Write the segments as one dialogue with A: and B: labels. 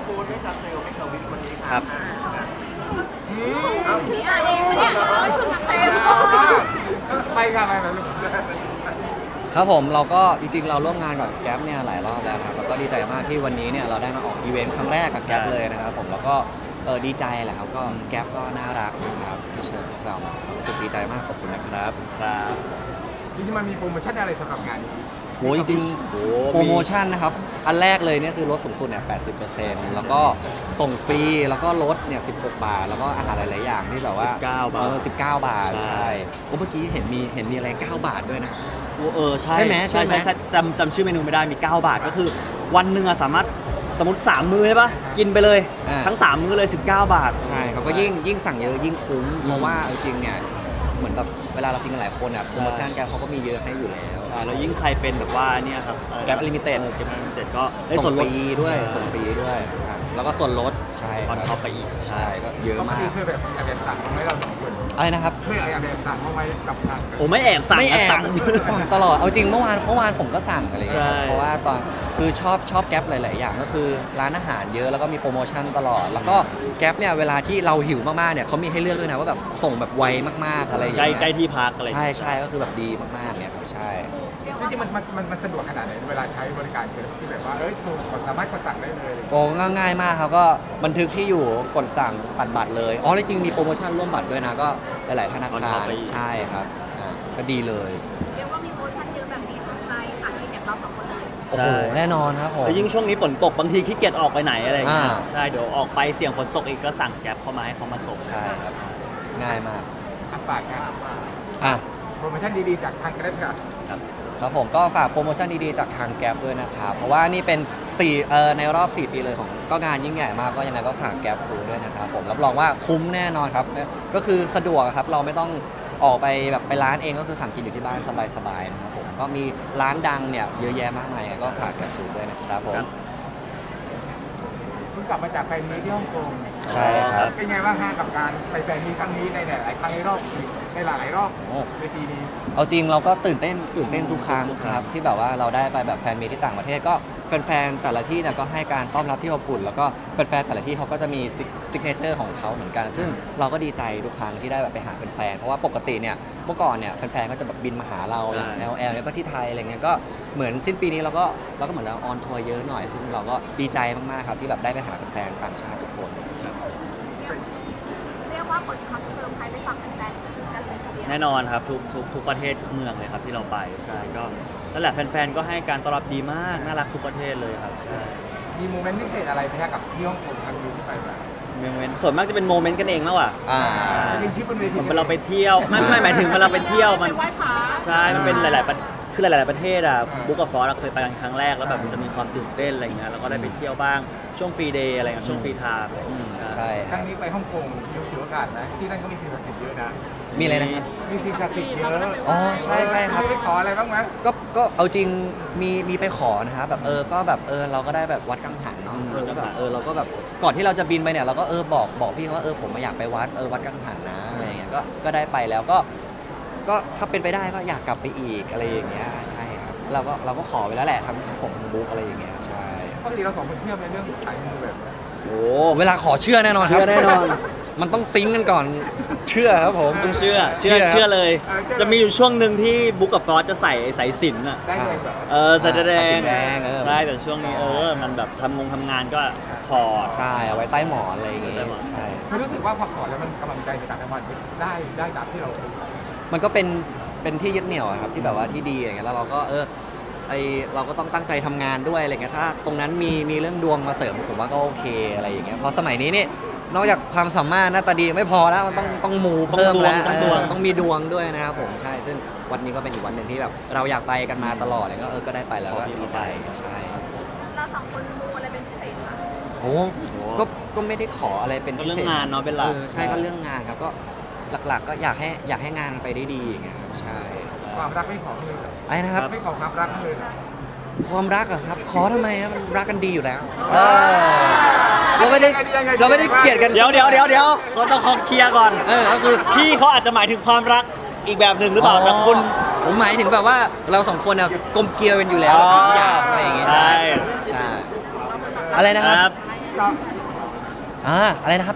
A: ฟูดไม่กับเซลไม่กับวิสวันนี้
B: ครับ
A: เอา
C: พี่อ่านเองเนี่ยชุดนักเตะ
A: ไปกันไปลูก
D: ครับผมเราก็จริงๆเราร่วมงานกับแก๊ปเนี่ยหลายรอบแล้วนะครับแล้วก็ดีใจมากที่วันนี้เนี่ยเราได้มาออกอีเวนต์ครั้งแรกกับแก๊ปเลยนะครับผมแล้วก็ดีใจแหละครับก็แก๊ปก็น่ารักนะครับที่เชิญพวกเรามารู้สึกดีใจมากขอบคุณนะครับ
B: ครับ
A: จริงๆมันมีโปรโมชั่นอะไรสำหรับงานนี้
D: โหจริงๆโปรโมชั่นนะครับอันแรกเลยเนี่ยคือลดสูงสุดเนี่ย 80%แล้วก็ส่งฟรีแล้วก็ลดเนี่ย 16 บาท แล้วก็อาหารหลายๆอย่างที่แบบว่า
B: 19 บาท
D: 19 บาท ใช่โอ้เมื่อกี้เห็นมีอะไร 9 บาทด้วยนะ
B: ใช่
D: ใช่ไหม
B: ใช่จำชื่อเมนูไม่ได้มี 9 บาทก็คือวันหนึ่งอะสามารถสมมติ 3 มื้อใช่ปะกินไปเลย ทั้ง 3 มื้อเลย 19 บาท
D: ใช่เขาก็ยิ่งสั่งเยอะยิ่งคุ้มเพราะว่าเอาจริงเนี่ยเหมือนแบบเวลาเรากินกันหลายคนอ่ะโปรโมชั่นแกเขาก็มีเยอะให้อยู่แล้ว
B: ใช่แล้วยิ่งใครเป็นแบบว่าเนี่ยครับ
D: Grab Unlimited
B: แกร็บอลิมิเต็ดก็ได้
D: ส่
B: ส่
D: ง
B: วน
D: ฟ
B: ลด
D: รีด้วยส่งฟรีด้วยครับแล้วก็ส่วนลดใช่
B: ออน
D: ค
B: ท็อ
D: รั
B: ปไปอีก
D: ใช่ก็เยอะ
A: ปก
D: มาก
A: ติเคยแบบสั่งมาให้เราสองคน
D: อะไรนะครับ
A: เคยแบบสั่งมาไว้กับทาง
B: โอ้ไม่แอบสั่ง
D: ไม่แอบ
B: สั่ง
D: สั่งตลอดเอาจริงเมื่อวานผมก็สั่งอะไรอย่างเงี้ย
B: ใช่
D: เพราะว่าตอนคือชอบแก๊ปหลาย ๆ อย่างก็คือร้านอาหารเยอะแล้วก็มีโปรโมชั่นตลอด แล้วก็แก๊ปเนี่ยเวลาที่เราหิวมากๆเนี่ยเขามีให้เลือกด้วยนะว่าแบบส่งแบบไวมากๆอะไรอย่าง
B: ใกล้
D: เงี้ย
B: ใกล้ที่พักอะไรอย่าง
D: ใช่
B: เงี้ย
D: ใช่ก็คือแบบดีมากๆเนี่ยครับใช่
A: จริงๆมันสะดวกขนาดไหนเวลาใช้บริการที่แบบว่าสามารถกดสั่งได้เลย
D: โอ้ง่ายมากครับก็บันทึกที่อยู่กดสั่งปัดบัตรเลยอ๋อจริงๆมีโปรโมชั่นร่วมบัตรด้วยนะก็หลายๆธนา
B: On
D: คา
B: top
D: ร
B: ไปอีก
D: ใช่ครับก็ดีเลย
C: เรียกว่ามีโปรโมชั่นเยอะแบบนี้สนใจค่ะที่อย่างเราสองคนเลย
D: โอ้โหแน่นอนครับผม
B: แล้วยิ่งช่วงนี้ฝนตกบางทีขี้เกียจออกไปไหนอะไรอย่างเงี้ย
D: อ่า
B: ใช่เดี๋ยวออกไปเสี่ยงฝนตกอีกก็สั่งแก๊ปเข้ามาให้เขามาส่ง
D: ใช่ครับง่ายมาก
A: ฝากงาน
D: อ่ะ
A: โปรโมชั่นดีๆจากทางกระเด็ค่ะ
D: ครับผมก็ฝากโปรโมชั่นดีๆจากทางแก๊ปด้วยนะครับเพราะว่านี่เป็นในรอบ 4 ปีเลยของก็งานยิ่งใหญ่มากก็ยังไงก็ฝากแก๊ปฟูด้วยนะครับผมรับรองว่าคุ้มแน่นอนครับก็คือสะดวกครับเราไม่ต้องออกไปแบบไปร้านเองก็คือสั่งกินอยู่ที่บ้านสบายๆนะครับผมก็มีร้านดังเนี่ยเยอะแยะมากมายก็ฝากแก๊ปฟูด้วยนะครับผม
A: เพิ่งกลับมาจากแฟนมีตที่ฮ่องกง
D: ใช่ครับ
A: เป็นไงบ้างฮะกับการไปแฟนมีตครั้งนี้ในหลายๆครั้งในหลายๆรอบในปีนี้
D: เอาจริงเราก็ตื่นเต้นทุกครั้งครับที่แบบว่าเราได้ไปแบบแฟนมีตที่ต่างประเทศก็แฟนๆแต่ละที่เนี่ยก็ให้การต้อนรับที่อบอุ่นแล้วก็แฟนๆแต่ละที่เขาก็จะมีซิกเนเจอร์ของเขาเหมือนกัน ซึ่งเราก็ดีใจทุกครั้งที่ได้แบบไปหาแฟนๆเพราะว่าปกติเนี่ยเมื่อก่อนเนี่ยแฟนๆก็จะแบบบินมาหาเราอย่าง LL แล้วก็ที่ไทยอะไรเงี้ยก็เหมือนสิ้นปีนี้เราก็เหมือนเราออนทัวร์เยอะหน่อยซึ่งเราก็ดีใจมากๆครับที่แบบได้ไปหาแฟนๆต่างชาติทุกคน
C: เรียกว่าผลคอนเฟิร์มใครไปฝากแฟนๆกันเลยทีเดียว
B: แน่นอนครับทุกประเทศทุกเมืองเลยครับที่เราไปใช่ก็นั่นแหละแฟนๆก็ให้การต้อนรับดีมากน่ารักทุกประเทศเลยครับใช่
A: มีโมเมนต์พิเศษอะไรไหมฮะกับที่ฮ่องกงครั้งนี้ที่ไปมา
B: โมเมนต์ส่วนมากจะเป็นโมเมนต์กันเองมากกว่า
A: เป็นที่บนเว
B: เห
A: ที
B: มือนเวลาเราไปเที่ยวไม่หมายถึงเวลาเราไปเที่ยวมัน
C: ไหว้พระ
B: ใช่มันเป็นหลายๆคือหลายๆประเทศอ่ะบุ๊กกับฟอสเราเคยไปกันครั้งแรกแล้วแบบมันจะมีความตื่นเต้นอะไรอย่างเงี้ยแล้วก็ได้ไปเที่ยวบ้างช่วงฟรีเดย์อะไรเงี้ยช่วงฟรีไทม์อะไรอย่างเงี้ย
D: ใช่
A: ครั้งนี้ไปฮ่องกงถือโอกาสนะที่นั่นก็มีสิ่งศักดิ์สิทธิ์เยอะนะ
D: มีอะไรนะครับ
A: มีสิ่งศักดิ์สิทธิ์เยอะ
D: อ๋อใช่ครับ
A: ไม่ได้ไปขออะไรบ้างไหม
D: ก็เอาจริงมีไปขอนะครับแบบก็แบบเราก็ได้แบบวัดกังหันเนาะก็แบบเราก็แบบก่อนที่เราจะบินไปเนี่ยเราก็บอกพี่เขาว่าผมมาอยากไปวัดกังหันนะอะไรอย่างเงี้ยก็ได้ไปแล้วก็ถ้าเป็นไปได้ก็อยากกลับไปอีกอะไรอย่างเงี้ยใช่ครับเราก็ขอไปแล้วแหละทั้งผมทั้งบุ๊กอะไรอย่างเงี้ยใช่
A: ปกติเราสองคนเชื่อในเรื่องสายมูแบบ
B: โอ้
D: เวลาขอเชื่อแน่นอนครับ
B: เชื่อแน่นอน
D: มันต้องซิงค์กันก่อนเชื่อครับผม
B: ต้องเชื่อ
D: เชื่อ
B: เลย จะมีอยู่ช่วงหนึ่งที่บุ๊กกับฟอสจะใส่สายสิญจน์อ่ะ
A: ได้เลยแบบ
B: ใส่แด
D: สายสิ
B: ง
D: ญจน์แดง
B: ใช่แต่ช่วงนี้มันแบบทำงานก็ถอด
D: ใช่เอาไว้ใต้หมอนอะไรอย่างเงี้ย
B: ใต้หมอน
D: ใช่
A: คือรู้สึกว่าพอขอแล้วมันกำลังใจในการทำงานได้ตามที่เรา
D: มันก็เป็นที่ยึดเหนี่ยวอะครับที่แบบว่าที่ดีอย่างเงี้ยแล้วเราก็เราก็ต้องตั้งใจทำงานด้วยอะไรเงี้ยถ้าตรงนั้นมีเรื่องดวงมาเสริมผมว่าก็โอเคอะไรอย่างเงี้ยเพราะสมัยนี้นี่นอกจากความสามารถหน้าตาดีไม่พอแล้วมันต้องมูเพิ่มแล้ว
B: ต้องดวง
D: ต้องมีดวงด้วยนะครับผมใช่ซึ่งวันนี้ก็เป็นอีกวันหนึ่งที่แบบเราอยากไปกันมาตลอดเลยก็ได้ไปแล้วก็ดีใจใช่
C: เราสองคนมูอะไรเป็นพิเศษไหม
D: โอ้ก็ไม่ได้ขออะไรเป็น
B: ก็
D: พิ
B: เรื่อ
D: เศษ
B: งงานเนาะเป็นหลัก
D: ใช่ก็เรื่องงานครับก็หลักๆก็อยากให้งานมันไปได้ดีอย่างเงี้ยครับใช่
A: ความรักไม่ขอเลย
D: ไอ้นะครับ
A: ไม่ขอความรักเลย
D: ความรักเหรอครับ ขอทำไมครับมันรักกันดีอยู่แล้วเราไม่ได้เกลียดกัน
B: เดี๋ยวเขาต้องขอเคลียร์ก่อน
D: ก็คือ
B: พี่เขาอาจจะหมายถึงความรักอีกแบบหนึ่งหรือเปล่าแต่คุณ
D: ผมหมายถึงแบบว่าเราสองคนเนี่ยกลมเกลียวกันอยู่แล้วทุกอย่างอะไรอย่างเงี้ย
B: ใช่
D: ใช่อะไรนะครับ
A: แก็
D: อะไรนะครับ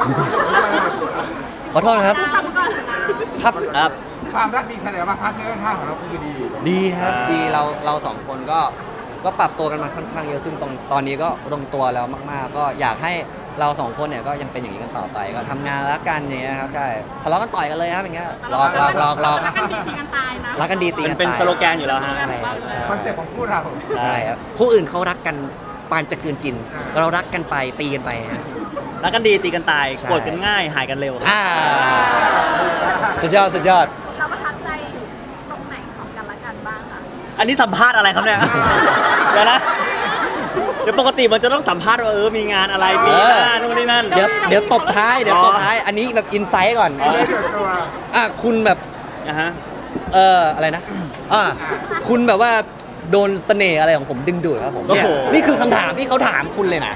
D: ขอโทษนะครับ
C: ทำก่อนนะ
D: ครับ
B: ครับ
A: ความรักดีแสดงว่าพาร์ทเนอร์ข้างของเราคือดี
D: ดีครับดีเราสองคนก็ปรับตัวกันมาค่อนข้างเยอะซึ่งตอนนี้ก็ลงตัวแล้วมากๆ ก็อยากให้เราสองคนเนี่ยก็ยังเป็นอย่างนี้กันต่อไปก็ทำงานรักกันอย่างเงี้ยครับใช่ทะเลาะกันต่อยกันเลยครับอย่างเงี้ยหลอก
C: รักกันดีตีกันตายนะ
D: รักกันดีตีกัน
B: เป็น
D: ตาย
B: สโลแกนอยู่แล้วฮะ
D: ใช่ครับใช่
A: คอนเซ็ปต์ของคู่เรา
D: ใช่ครับผู้อื่นเขารักกันปานจะกลืนกิน เรารักกันไปตีกันไปฮะ
B: รักกันดีตีกันตาย
D: ใช่
B: โกรธกันง่ายหายกันเร็วครับ
D: สุดยอดสุดยอด
C: เราประทับใจตรงไหนของกันและกันบ้างคะ
B: อันนี้สัมภาษณ์อะไรครับเนี่ย เดี๋ยวนะ เดี๋ยวปกติมันจะต้องสัมภาษณ์ว่ามีงานอะไรปีหน้านู่นนี่นั่น
D: เดี๋ยวตบท้ายอันนี้แบบอินไซต์ก่อน
A: ไม่เกิดตัว
D: คุณแบบ
B: นะฮะ
D: อะไรนะคุณแบบว่าโดนเสน่ห์อะไรของผมดึงดูดครับผมเนี่ย
B: โอ้โห
D: นี่คือคำถามที่เขาถามคุณเลยนะ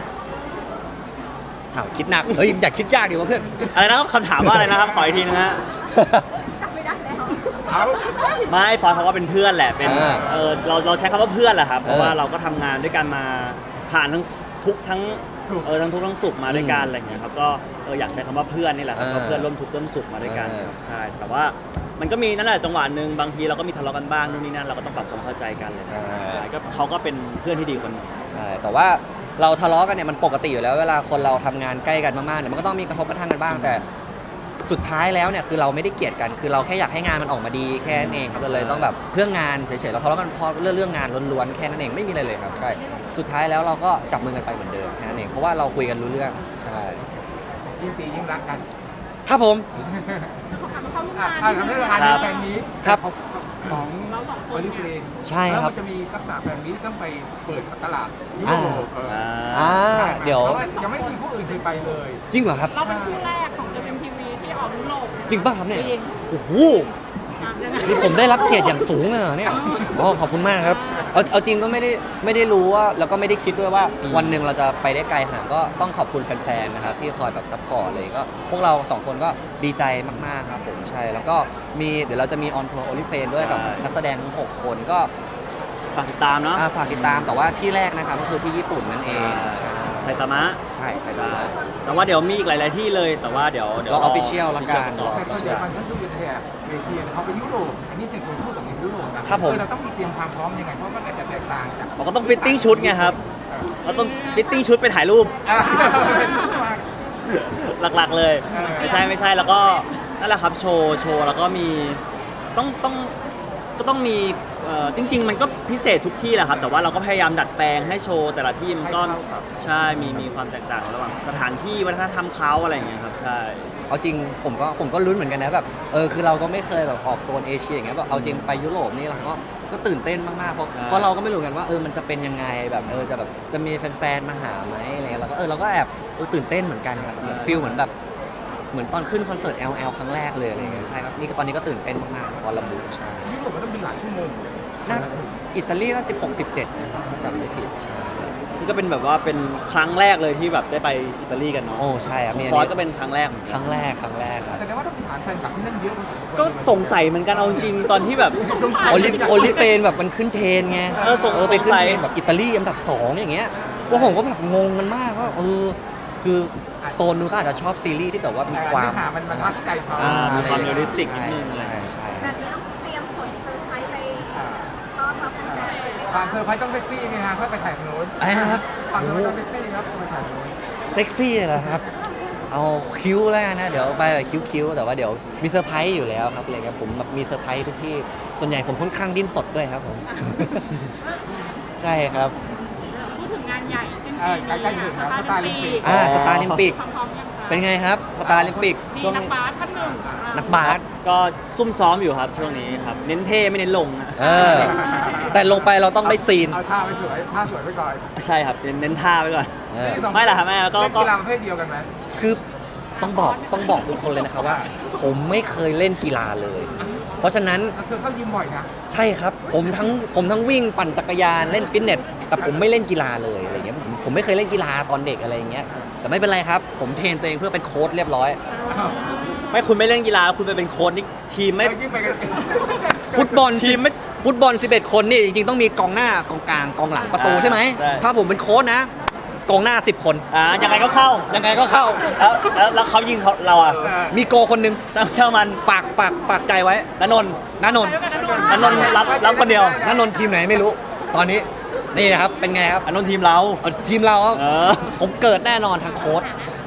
D: คิดหนักอยากคิดยากดีวะเพื่อน
B: อะไรนะครับคำถามว่าอะไรนะครับ ขออีกทีนึงฮะ
C: จำไม่ได้แล้ว
A: เอา
B: ไม่ฟอยเขาก็เป็นเพื่อนแหละ เป็น เราใช้คำว่าเพื่อนแหละครับ เพราะว่าเราก็ทำงานด้วยกันมาผ่านทั้งทุกข์ทั้งทั้งทุกข์ทั้งสุขมาด้วยกันอะไรอย่างเงี้ยครับ ก็อยากใช้คำว่าเพื่อนนี่แหละครับก็เพื่อนร่วมทุกข์ร่วมสุขมาด้วยกันครับใช่ แต่ว่ามันก็มีนั่นแหละจังหวะหนึ่งบางทีเราก็มีทะเลาะกันบ้างนู่นนี่นั่นเราก็ต้องปรับความเข้าใจกันเลย
D: ใช่
B: ก็เขาก็เป็นเพื่อนที่ดีคนหนึง
D: ใช่แต่ว่าเราทะเลาะกันเนี่ยมันปกติอยู่แล้วเวลาคนเราทำงานใกล้กันมากๆเนี่ยมันก็ต้องมีกระทบกระทั่งกันบ้างแต่สุดท้ายแล้วเนี่ยคือเราไม่ได้เกลียดกันคือเราแค่อยากให้งานมันออกมาดีแค่นั้นเองครับเราเลยต้องแบบเพื่องานเฉยๆเราทะเลาะกันเพราะเรื่องงานล้วนๆแค่นั้นเองไม่มีอะไรเลยครับใช่สุดท้ายแล้วเราก็จับมือกันไปเหมือนเดิมแค่นั้นเองเพราะว่าเราคุยกันรู้เรื่องใช่
A: ยิ่งตียิ่งรักกัน
D: ครับผม
C: เข้าร่วมงาน
A: ทำให้งานแฟนนี้
D: ครับ
A: ของโอลิเฟรน
D: ใช่ครับ
A: แล้วมันจะมีทักษะแฟนนี้ต้องไปเปิดตลาดยุโรป
D: เดี๋ยว
A: พราะายังไม่มีผู้อื่นเคยไปเลย
D: จริงเหรอครับ
E: เราเป็นคู่แรกของ JMTV ที่ออกยุโรป
D: จริงป่ะครับเนี่ย
E: จริง
D: โอ้โหนี่ผมได้รับเกียรติอย่างสูงเลยเหรอเนี่ยขอบคุณมากครับเอาจริงก็ไม่ได้รู้ว่าแล้วก็ไม่ได้คิดด้วยว่าวันหนึ่งเราจะไปได้ไกลขนาดนั้นก็ต้องขอบคุณแฟนๆนะครับที่คอยแบบซัพพอร์ตเลยก็พวกเราสองคนก็ดีใจมากๆครับผมใช่แล้วก็เดี๋ยวเราจะมีออนทัวร์โอลิเฟนด้วยกับนักแสดงทั้ง6คนก็
B: ฝากติดตามเนาะ
D: ฝากติดตามแต่ว่าที่แรกนะครับก็คือที่ญี่ปุ่นนั่นเองใช่
B: ไซตามะ
D: ใช่ใช่
B: ใช่แต่ว่าเดี๋ยวมีอีกหลาย ๆ ที่เลย แต่ว่าเดี๋ยว
D: รอ official ละกัน
B: รอ
A: แต่ตอน
B: official
A: เดียวมันท่านดูเป็นแถบเอเชียเขาไปยุโรปอันนี้เป็นคนพูดกับยุโรปนะครับ
D: ผม
A: เราต้องมีเตรียมความพร้อมยังไงเพราะมันอาจจะแตกต่างจาก
B: เราก็ต้องฟิตติ้งชุดไงครับ เราต้องฟิตติ้งชุดไปถ่ายรูป หลัก ๆ เลย ไม่ใช่แล้วก็นั่นแหละครับโชว์แล้วก็มีต้องมีจริง ๆ มันก็พิเศษทุกที่แหละครับ แต่ว่าเราก็พยายามดัดแปลงให้โชว์แต่ละที่มันก็ใช่มีความแตกต่างระหว่างสถานที่วัฒนธรรมเขาอะไรอย่างเงี้ยครับใช่
D: เอาจริงผมก็ลุ้นเหมือนกันนะแบบคือเราก็ไม่เคยแบบออกโซนเอเชียอย่างเงี้ยแบบเอาจริงไปยุโรปนี่เราก็ตื่นเต้นมากๆเพราะเราก็ไม่รู้กันว่ามันจะเป็นยังไงแบบจะมีแฟนๆมาหาไหมอะไรเงี้ยเราก็แอบตื่นเต้นเหมือนกันครับฟีลเหมือนตอนขึ้นคอนเสิร์ต LL ครั้งแรกเลยอะไรเงี้ยใช่ครับนี่ก็ตอนนี้ก็ตื่นเต้นมากๆฟอร์ลาบูใช่
A: ยุโรปมันต้องเป็นหลายชั่วโมง
D: น่าอิตาลีน่า16-17นะครับถ้าจำไม่ผิดใช่
B: นี่ก็เป็นแบบว่าเป็นครั้งแรกเลยที่แบบได้ไปอิตาลีกันเนาะ
D: โอ้ใช่ครับ
B: ของ
D: มี
B: ฟอสก็เป็นครั้งแรกเหมือน
D: ค
B: กัน
D: รั้งแรกครับ
A: แสดงว่าต้องฐานแฟนคลับที่นั่นเยอะ
B: ก็สงสัยเหมือนกันเอาจริงๆตอนที่แบบ
D: โอลิเฟนแบบมันขึ้นเทรนไง ไปขึ้นเทรนแบบอิตาลีอันดับ2อย่างเงี้ยว่าผมก็แบบงงกันมากว่าคือโซนนู้นก็อาจจะชอบซีรีส์ที่แบบว่ามีความ
A: มันทัดใจเขา
B: มีความเรียลลิสติกนิดนึง
D: ใช่
C: แบบนี้ต้องเตรียมผลเซอร์ไพรส์ไปต้อนรับแฟนๆเลยไหม
A: ควา
C: คะ
A: มเซอร์ไพรส์ต้องเซ็กซี่ไงฮะเพื่อไปถ่ายโน้น
D: อะไรนะครับ
A: ความเซอร์ไพรส์ต้องเซ็กซี่ครับไปถ่ายโน้น
D: เซ็กซี่เหรอครับ เอาคิ้วแล้วกันนะเดี๋ยวไปแบบคิ้วๆแต่ว่าเดี๋ยวมีเซอร์ไพรส์อยู่แล้วครับอะไรเงี้ยผมแบบมีเซอร์ไพรส์ทุกที่ส่วนใหญ่ผมค่อนข้างดิ้นสดด้วยครับผม ใช่ครับ
E: พูดถึงงานใหญ่สิ้น
A: ใกล้ๆถึงแล้วสตาร์ลิมปิก
D: สตาร์ลิมปิก
E: พร้อมๆยังคะ
D: เป็นไงครับสตาร์ลิมปิก
E: มีนักบาสท่านหนึ่ง
D: นักบาส
B: ก็ซุ่มซ้อมอยู่ครับช่วงนี้ครับเน้นเท่ไม่เน้นลงนะ
D: แต่ลงไปเราต้องได้ซีน
A: เอาท่าไปสวยท่าสวยไปก่อน
B: ใช่ครับเน้นท่าไว้ก่อน
D: เออ
B: ไม่ล่ะครับแม่ก็
A: เล่นกีฬาประเภทเดียวกันไหม
D: คือต้องบอกทุกคนเลยนะครับว่า ผมไม่เคยเล่นกีฬาเลย เพราะฉะนั้น
A: เธอเข้ายิมบ่อยนะ
D: ใช่ครับผมทั้งวิ่งปั่นจักรยานเล่นฟิตเนสแต่ผมไม่เล่นกีฬาเลยอะไรเงี้ยผมไม่เคยเล่นกีฬาตอนเด็กอะไรอย่างเงี้ยแต่ไม่เป็นไรครับ ผมเทรนตัวเองเพื่อเป็นโค้ชเรียบร้อย
B: ไม่คุณไม่เล่นกีฬาแล้วคุณไปเป็นโค้ชนี่ทีมไม่
A: ยิ่งไปกัน
D: ฟุตบอล
B: ทีมไม่
D: ฟุตบอล11 คนนี่จริงๆต้องมีกองหน้ากองกลางกองหลังประตูใช่ไหม
B: ใช่
D: ถ้าผมเป็นโค้ชนะกองหน้า 10 คน
B: ยังไงก็เข้า
D: ยังไงก็เข้า
B: แล้วเขายิงเราอ่ะ
D: มีโกคนหนึง
B: เชื่อมัน
D: ฝากใจไว้
B: ณนนท์
D: ณนนท์
B: ณนนท์รับคนเดียว
D: ณนนท์ทีมไหนไม่รู้ ตอนนี้นี่นะครับ เป็นไงครับ
B: ณนนท์ทีมเรา
D: เอาทีมเราครับ
B: เออ
D: ผมเกิดแน่นอนทางโค้ช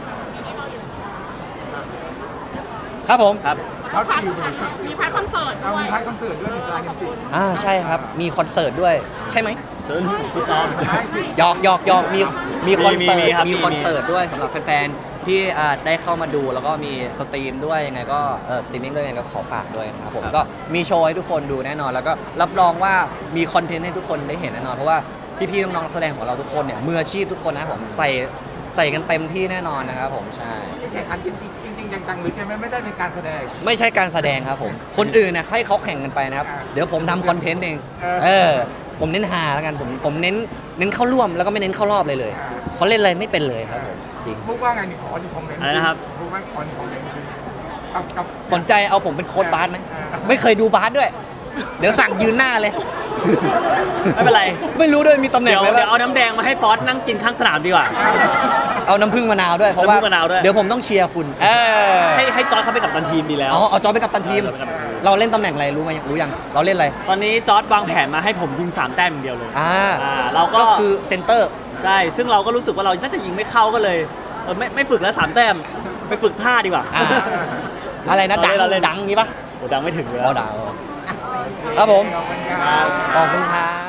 D: ครับผม
B: ครับ
A: เขาคิวเลย
E: มีพาร์ทคอนเสิร์ต
A: เอา
E: ด้ว
A: มี
E: ย
A: พาร์ทคอนเสิร์ตด้วยมีสไตล์จริง
D: ใช่ครับ มีคอนเสิร์ตด้วย ใช่ไหม
B: เชิญพี่ซ้อม
A: ใช่สิ
D: หยอกมีคอนเสิร์ต
B: มีครับ
D: มีคอนเสิร์ตด้วยสำหรับแฟนๆที่ได้เข้ามาดูแล้วก็มีสตรีมด้วยยังไงก็สตรีมมิ่งด้วยยังไงก็ขอฝากด้วยนะครับผมก็มีโชว์ให้ทุกคนดูแน่นอน แล้วก็รับรองว่ามีคอนเทนต์ให้ทุกคนได้เห็นแน่นอนเพราะว่าพี่ๆน้องๆนักแสดงของเราทุกคนเนี่ยมืออาชีพทุกคนนะครับผมใส่กันเต็มที่แน่นอนนะครับผมใช่
A: ไม่ใช่คันจริงจังๆหรือใช่ไหมไม่ได้เป็นการแสดง
D: ไม่ใช่การแสดงครับผม คนอื่นนะให้เขาแข่งกันไปนะครับ เดี๋ยวผมทำคอนเทนต์เอง ผมเน้นหาแล้วกันผมเน้นเข้าร่วมแล้วก็ไม่เน้นเข้ารอบเลยเขาเล่นอะไรไม่เป็นเลยครับผมจริง
A: มุกว่าไงนี่ขอหนึ่งคอมเมนต์
B: อะไรนะครับ
A: มุกว่าขอหนึ่งคอมเมนต์กับ
D: สนใจเอาผมเป็นโค้ชบาสไหมไม่เคยดูบาสด้วย เดี๋ยวสั่งยืนหน้าเลย
B: ไม่เป็นไร
D: ไม่รู้ด้วยมีตำแหน่
B: เดี๋
D: ง
B: ยว
D: อะไร
B: เดี๋ยวเอา
D: บ้าง
B: น้ำแดงมาให้ฟอสนั่งกินข้างสนามดีกว่า
D: เอาน้ำผึ้งมะนาวด้วยเพราะว่า
B: น้ำผึ้งมะนาวด้วย
D: เดี๋ยวผมต้องเชียร์คุณ
B: ให้จอร์จเขาไปกับตันทีมดีแล้ว
D: เอาจอร์จไปกับตันทีม
B: เอาจอร์จไปกัปตันทีม
D: เราเล่นตำแหน่งอะไรรู้ไหมรู้ยังเราเล่นอะไร
B: ตอนนี้จอร์จวางแผนมาให้ผมยิง3 แต้มอย่างเดียวเลย เราก็
D: ก็คือเซนเตอร์
B: ใช่ ซึ่งเราก็รู้สึกว่าเราน่าจะยิงไม่เข้าก็เลยไม่ฝึกแล้ว3 แต้ม ไปฝึกท่าดีกว่า
D: อะไรนะดัง
B: เราเล่น
D: ดังงี้ปะ
B: โอ้ดังไม่ถึงเลย
D: อ๋อดังครับผม
A: ขอบคุณครับ
D: ขอบคุณครับ